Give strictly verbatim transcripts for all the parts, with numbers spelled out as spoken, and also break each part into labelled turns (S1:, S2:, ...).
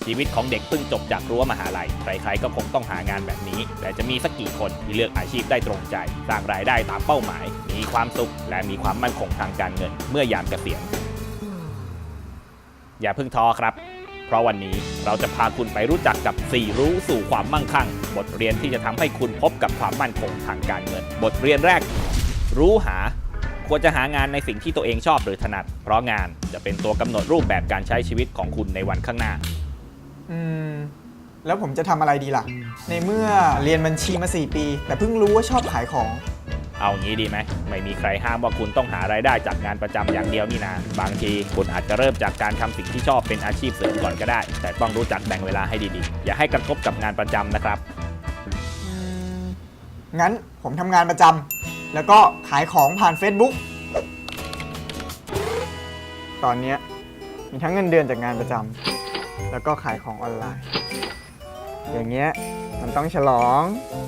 S1: ชีวิตของเด็กเพิ่งจบจากรั้วมหาลัยใครๆก็คงต้องหางานแบบนี้แต่จะมีสักกี่คนที่เลือกอาชีพได้ตรงใจสร้างรายได้ตามเป้าหมายมีความสุขและมีความมั่นคงทางการเงินเมื่อยามเกษียณอย่าเพิ่งท้อครับเพราะวันนี้เราจะพาคุณไปรู้จักกับสี่รู้สู่ความมั่งคั่งบทเรียนที่จะทำให้คุณพบกับความมั่นคงทางการเงินบทเรียนแรกรู้หาควรจะหางานในสิ่งที่ตัวเองชอบหรือถนัดเพราะงานจะเป็นตัวกำหนดรูปแบบการใช้ชีวิตของคุณในวันข้างหน้า
S2: อืมแล้วผมจะทำอะไรดีล่ะในเมื่อเรียนบัญชีมาสี่ปีแต่เพิ่งรู้ว่าชอบขายของ
S1: เอางี้ดีไหมไม่มีใครห้ามว่าคุณต้องหารายได้จากงานประจำอย่างเดียวนี่นาบางทีคุณอาจจะเริ่มจากการทำสิ่งที่ชอบเป็นอาชีพเสริมก่อนก็ได้แต่ต้องรู้จักแบ่งเวลาให้ดีๆอย่าให้กระทบกับงานประจำนะครับ
S2: งั้นผมทำงานประจำแล้วก็ขายของผ่าน Facebook ตอนนี้มีทั้งเงินเดือนจากงานประจำแล้วก็ขายของออนไลน์อย่างเงี้ยมันต้องฉลอง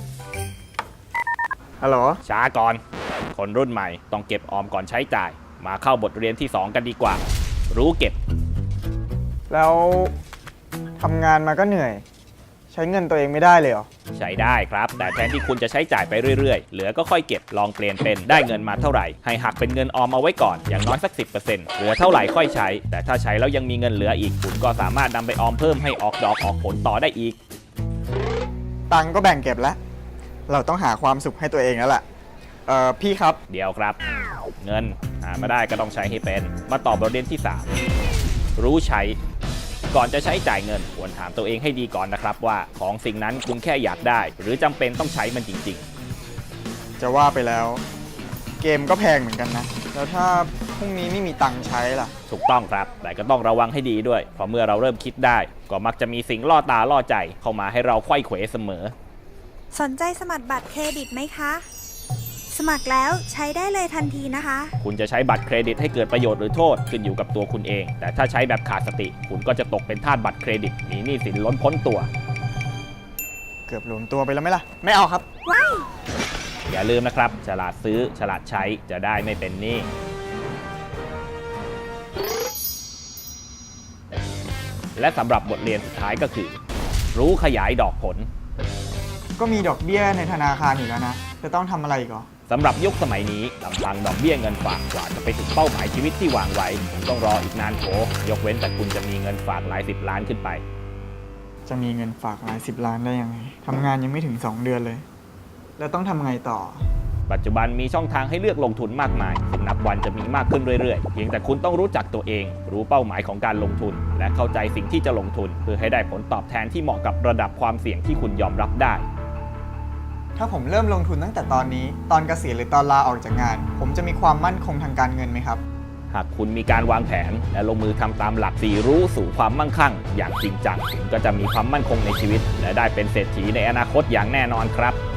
S2: ฮัลโหล
S1: ช้าก่อนคนรุ่นใหม่ต้องเก็บออมก่อนใช้จ่ายมาเข้าบทเรียนที่สองกันดีกว่ารู้เก็บ
S2: แล้วทำงานมาก็เหนื่อยใช้เงินตัวเองไม่ได้เลยเหรอ
S1: ใช้ได้ครับแต่แทนที่คุณจะใช้จ่ายไปเรื่อยๆเหลือก็ค่อยเก็บลองเปลี่ยนเป็นได้เงินมาเท่าไหร่ให้หักเป็นเงินออมเอาไว้ก่อนอย่างน้อยสัก สิบเปอร์เซ็นต์ เหลือเท่าไหร่ค่อยใช้แต่ถ้าใช้แล้วยังมีเงินเหลืออีกคุณก็สามารถนำไปออมเพิ่มให้ออกดอกออกผลต่อได้อีก
S2: ตังก็แบ่งเก็บแล้วเราต้องหาความสุขให้ตัวเองแล้วแหละเอ่อพี่ครับ
S1: เดี๋ยวครับเงินหามาได้ก็ต้องใช้ให้เป็นมาตอบบทเรียนที่สามรู้ใช้ก่อนจะใช้จ่ายเงินควรถามตัวเองให้ดีก่อนนะครับว่าของสิ่งนั้นคุณแค่อยากได้หรือจำเป็นต้องใช้มันจริง
S2: ๆจะว่าไปแล้วเกมก็แพงเหมือนกันนะแล้วถ้าพรุ่งนี้ไม่มีตังค์ใช้ล่ะ
S1: ถูกต้องครับแต่ก็ต้องระวังให้ดีด้วยเพราะเมื่อเราเริ่มคิดได้ก็มักจะมีสิ่งล่อตาล่อใจเข้ามาให้เราไขว้เขวเสมอ
S3: สนใจสมัครบัตรเครดิตไหมคะสมัครแล้วใช้ได้เลยทันทีนะคะ
S1: คุณจะใช้บัตรเครดิตให้เกิดประโยชน์หรือโทษขึ้นอยู่กับตัวคุณเองแต่ถ้าใช้แบบขาดสติคุณก็จะตกเป็นทาสบัตรเครดิตมีหนี้สินล้นพ้นตัว
S2: เกือบหลวมตัวไปแล้วไหมล่ะไม่เอาครับ
S3: ว้าย
S1: อย่าลืมนะครับฉลาดซื้อฉลาดใช้จะได้ไม่เป็นหนี้และสำหรับบทเรียนสุดท้ายก็คือรู้ขยายดอกผล
S2: ก็มีดอกเบี้ยในธนาคารอยู่แล้วนะจะต้องทำอะไรอีกเหรอ
S1: สำหรับยุคสมัยนี้ลำพังดอกเบี้ยเงินฝากกว่าจะไปถึงเป้าหมายชีวิตที่วางไว้ผมต้องรออีกนานโขยกเว้นแต่คุณจะมีเงินฝากหลายสิบล้านขึ้นไป
S2: จะมีเงินฝากหลายสิบล้านได้ยังไงทำงานยังไม่ถึงสองเดือนเลยแล้วต้องทำไงต่อ
S1: ปัจจุบันมีช่องทางให้เลือกลงทุนมากมายซึ่งนับวันจะมีมากขึ้นเรื่อยๆเพียงแต่คุณต้องรู้จักตัวเองรู้เป้าหมายของการลงทุนและเข้าใจสิ่งที่จะลงทุนเพื่อให้ได้ผลตอบแทนที่เหมาะกับระดับความเสี่ยงที่คุณยอมรับได้
S2: ถ้าผมเริ่มลงทุนตั้งแต่ตอนนี้ตอนเกษียณหรือตอนลาออกจากงานผมจะมีความมั่นคงทางการเงินไหมครับ
S1: หากคุณมีการวางแผนและลงมือทำตามหลักสี่รู้สู่ความมั่งคั่งอย่างจริงจังคุณก็จะมีความมั่นคงในชีวิตและได้เป็นเศรษฐีในอนาคตอย่างแน่นอนครับ